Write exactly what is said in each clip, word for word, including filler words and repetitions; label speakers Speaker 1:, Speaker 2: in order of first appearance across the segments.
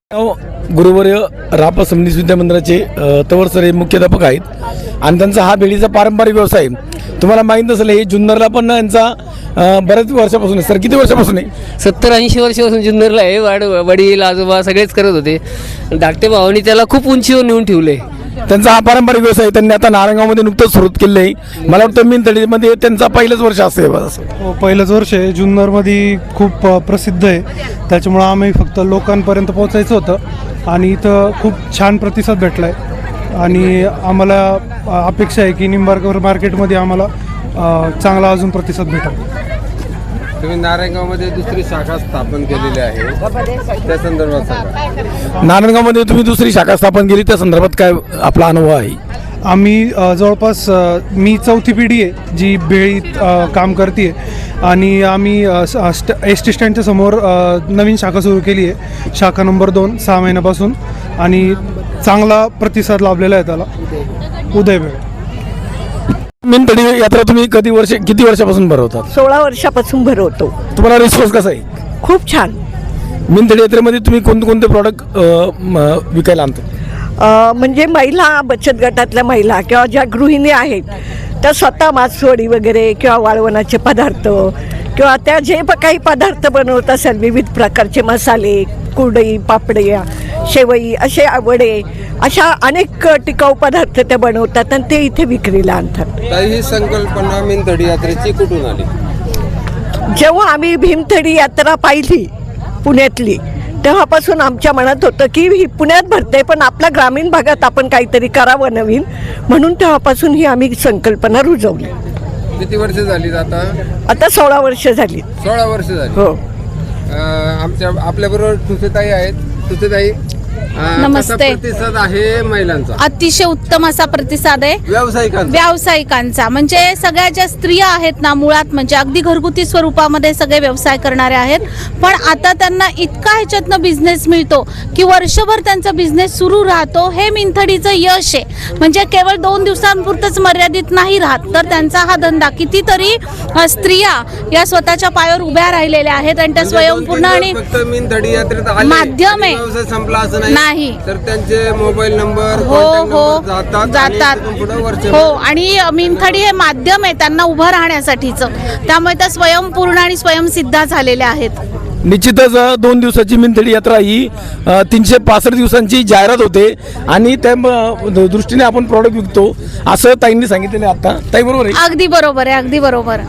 Speaker 1: गुरुवर्य रापा समनीस विद्यामंदिराचे तवर सर हे मुख्याध्यापक आहेत आणि त्यांचा हा भेळीचा पारंपरिक व्यवसाय तुम्हाला माहीत नसेल. हे जुन्नरला पण यांचा बऱ्याच वर्षापासून आहे. सर किती वर्षापासून आहे?
Speaker 2: सत्तर ऐंशी वर्षापासून जुन्नरला आहे. वाड वडील आजोबा सगळेच करत होते. धाकटे भावानी त्याला खूप उंचीवर नेऊन ठेवले.
Speaker 1: त्यांचा हा पारंपरिक व्यवसाय त्यांनी आता नारायणगावमध्ये नुकतंच सुरू केले आहे. मला वाटतं मिनतडीमध्ये त्यांचा पहिलंच वर्ष असेल.
Speaker 3: हो, पहिलंच वर्ष आहे. जुन्नरमध्ये खूप प्रसिद्ध आहे. त्याच्यामुळं आम्ही फक्त लोकांपर्यंत पोहोचायचं होतं आणि इथं खूप छान प्रतिसाद भेटला आहे आणि आम्हाला अपेक्षा आहे की निंबार्कर मार्केटमध्ये आम्हाला चांगला अजून प्रतिसाद भेटेल.
Speaker 4: तुम्ही नारायणगावमध्ये दुसरी शाखा स्थापन केलेली आहे, त्या संदर्भात सांगा.
Speaker 1: नारायणगावमध्ये तुम्ही दुसरी शाखा स्थापन केली, त्या संदर्भात काय आपला अनुभव आहे?
Speaker 3: आम्ही जवळपास मी चौथी पिढी आहे जी भेळीत काम करते आणि आम्ही एस टी स्टँडच्या समोर नवीन शाखा सुरू केली आहे, शाखा नंबर दोन सहा महिन्यापासून आणि चांगला प्रतिसाद लाभलेला आहे त्याला. उदय भेळ
Speaker 1: मिनतडी यात्रा तुम्ही कधी वर्ष किती वर्षापासून भरवतात?
Speaker 5: सोळा वर्षापासून भरवतो.
Speaker 1: तुम्हाला रिस्पॉन्स कसा आहे?
Speaker 5: खूप छान.
Speaker 1: मिनतडी यात्रेमध्ये तुम्ही कोणते कोणते प्रॉडक्ट विकायला आणतात?
Speaker 5: अ, म्हणजे महिला बचत गटातल्या महिला किंवा ज्या गृहिणी आहेत त्या स्वतः मासवडी वगैरे किंवा वाळवणाचे पदार्थ किंवा त्या जे प काही पदार्थ बनवत असेल विविध प्रकारचे मसाले, कुरडई, पापड्या, शेवई, असे वडे, अशा अनेक टिकाऊ पदार्थ त्या बनवतात आणि ते इथे विक्रीला आणतात.
Speaker 4: तर ही संकल्पना मिनतडी यात्रेची कुठून आली?
Speaker 5: जेव्हा आम्ही भीमथडी यात्रा पाहिली पुण्यातली तेव्हापासून आमच्या मनात होतं की ही पुण्यात भरते पण आपल्या ग्रामीण भागात आपण काहीतरी करावं नवीन, म्हणून तेव्हापासून ही आम्ही संकल्पना रुजवली.
Speaker 4: किती वर्ष झाली आता?
Speaker 5: आता सोळा वर्ष झाली.
Speaker 4: सोळा वर्ष झाली.
Speaker 5: हो.
Speaker 4: आमच्या आपल्याबरोबर ठुसेताई आहेत. ठुसेताई,
Speaker 6: नमस्ते.
Speaker 4: प्रतिसाद आहे महिलांचा?
Speaker 6: अतिशय उत्तम असा प्रतिसाद आहे
Speaker 4: व्यावसायिकांचा.
Speaker 6: व्यावसायिकांचा म्हणजे सगळ्या ज्या स्त्रिया आहेत ना, मुळात म्हणजे अगदी घरगुती स्वरूपामध्ये सगळे व्यवसाय करणारे आहेत, पण आता त्यांना इतका ह्याच्यातनं बिझनेस मिळतो की वर्षभर त्यांचा बिझनेस सुरू राहतो. हे मिनथडीचं यश आहे. म्हणजे केवळ दोन दिवसांपुरतंच मर्यादित नाही राहत, तर त्यांचा हा धंदा कितीतरी स्त्रिया या स्वतःच्या पायावर उभ्या राहिलेल्या आहेत आणि त्या स्वयंपूर्ण आणि माध्यम आहे.
Speaker 4: संपला असं
Speaker 6: नाही,
Speaker 4: तर त्यांचे मोबाईल नंबर
Speaker 6: हो हो
Speaker 4: जातात
Speaker 6: जातात हो. आणि मिनथडी हे माध्यम आहे त्यांना उभं राहण्यासाठीचं, त्यामुळे त्या स्वयंपूर्ण आणि स्वयंसिद्धा झालेल्या आहेत.
Speaker 1: निश्चितच दोन दिवसाची मिनतडी यात्रा ही तीनशे पासष्ट दिवसांची जाहिरात होते आणि त्या दृष्टीने आपण प्रॉडक्ट विकतो असं ताईंनी सांगितलेलं आहे. आता ताई बरोबर आहे?
Speaker 6: अगदी बरोबर आहे, अगदी बरोबर.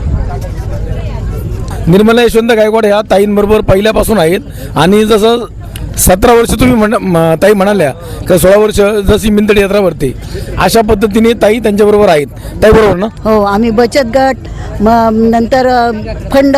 Speaker 1: निर्मला यशवंत गायकवाड ह्या ताईंबरोबर पहिल्यापासून आहेत आणि जसं सतरा वर्ष तुम्ही म्हण ताई म्हणाल्या का सोळा वर्ष जशी मिनतडी यात्रा भरते अशा पद्धतीने ताई त्यांच्याबरोबर आहेत. ताई बरोबर ना?
Speaker 7: हो, आम्ही बचत गट, मग नंतर फंड,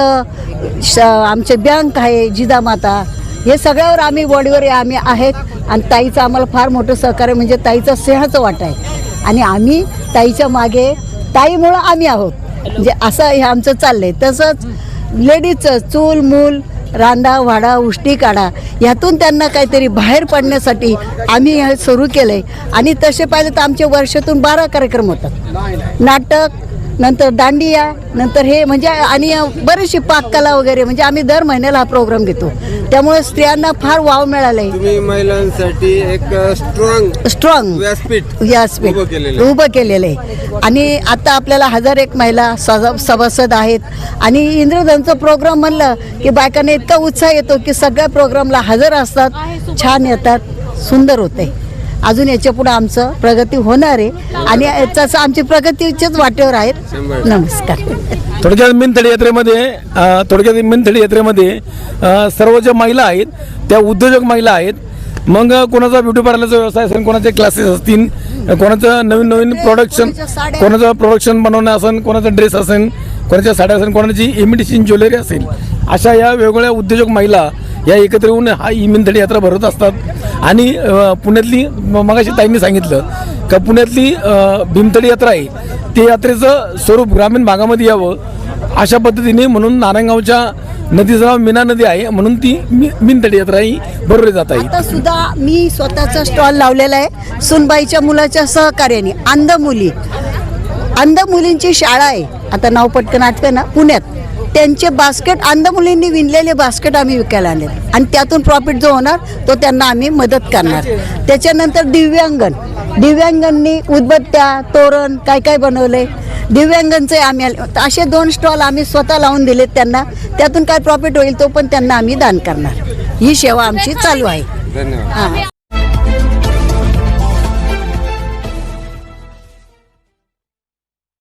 Speaker 7: आमचे बँक आहे जिजामाता, हे सगळ्यावर आम्ही बॉडीवर आम्ही आहेत आणि ताईचं आम्हाला फार मोठं सहकार्य म्हणजे ताईचा स्नेहाचं वाटा आहे आणि आम्ही ताईच्या मागे, ताईमुळं आम्ही आहोत म्हणजे असं हे आमचं चाललंय. तसंच लेडीजचं चूल मूल रांदा वाडा उष्टी काढा यातून त्यांना काहीतरी बाहेर पडण्यासाठी आम्ही हे सुरू केलं आहे आणि तसे पाहिजे तर आमचे वर्षातून बारा कार्यक्रम होतात. नाटक, नंतर दांडिया, नंतर हे म्हणजे आणि बरीचशी पाककला वगैरे, म्हणजे आम्ही दर महिन्याला हा प्रोग्राम घेतो. त्यामुळे स्त्रियांना फार वाव मिळाला आहे.
Speaker 4: तुम्ही महिलांसाठी एक स्ट्रॉंग
Speaker 7: स्ट्रॉंग
Speaker 4: व्यासपीठ
Speaker 7: व्यासपीठ उभं केलेलं आहे आणि आता आपल्याला हजार एक महिला सभासद आहेत आणि इंद्रधनचं प्रोग्राम म्हणलं की बायकांना इतका उत्साह येतो की सगळ्या प्रोग्रामला हजर असतात, छान येतात, सुंदर होते. अजून याच्या पुढे आमचं प्रगती होणार आहे आणि याचं आमची प्रगतीच्याच वाटेवर आहेत. नमस्कार.
Speaker 1: थोडक्यात मिनतडी यात्रेमध्ये थोडक्यात मिनतडी यात्रेमध्ये सर्व ज्या महिला आहेत त्या उद्योजक महिला आहेत. मग कोणाचा ब्युटी पार्लरचा व्यवसाय असेल, कोणाचे क्लासेस असतील, कोणाचं नवीन नवीन प्रोडक्शन, कोणाचं प्रोडक्शन बनवणं असेल, कोणाचा ड्रेस असेल, कोणाच्या साड्या असेल, कोणाची इमिटेशन ज्वेलरी असेल, अशा या वेगवेगळ्या उद्योजक महिला या एकत्र येऊन हा ही मिनतडी यात्रा भरत असतात. आणि पुण्यातली मगाशी ताईंनी सांगितलं का पुण्यातली भीमतडी यात्रा आहे ते यात्रेचं स्वरूप ग्रामीण भागामध्ये यावं अशा पद्धतीने, म्हणून नारायणगावच्या नदीचं नाव मीना नदी आहे म्हणून ती मी मिनतडी यात्रा ही भरवली जात आहे.
Speaker 7: आता सुद्धा मी स्वतःचा स्टॉल लावलेला आहे सुनबाईच्या मुलाच्या सहकार्याने. अंध मुली अंध मुलींची शाळा आहे, आता नाव पटकन आठवे ना, पुण्यात त्यांचे बास्केट अंध मुलींनी विणलेले बास्केट आम्ही विकायला आणले आणि त्यातून प्रॉफिट जो होणार तो त्यांना आम्ही मदत करणार. त्याच्यानंतर दिव्यांगन दिव्यांगांनी उदबत्त्या तोरण काय काय बनवले दिव्यांगांचे आम्ही असे दोन स्टॉल आम्ही स्वतः लावून दिलेत त्यांना. त्यातून काय प्रॉफिट होईल तो पण त्यांना आम्ही दान करणार. ही सेवा आमची चालू आहे.
Speaker 4: धन्यवाद.
Speaker 7: हां.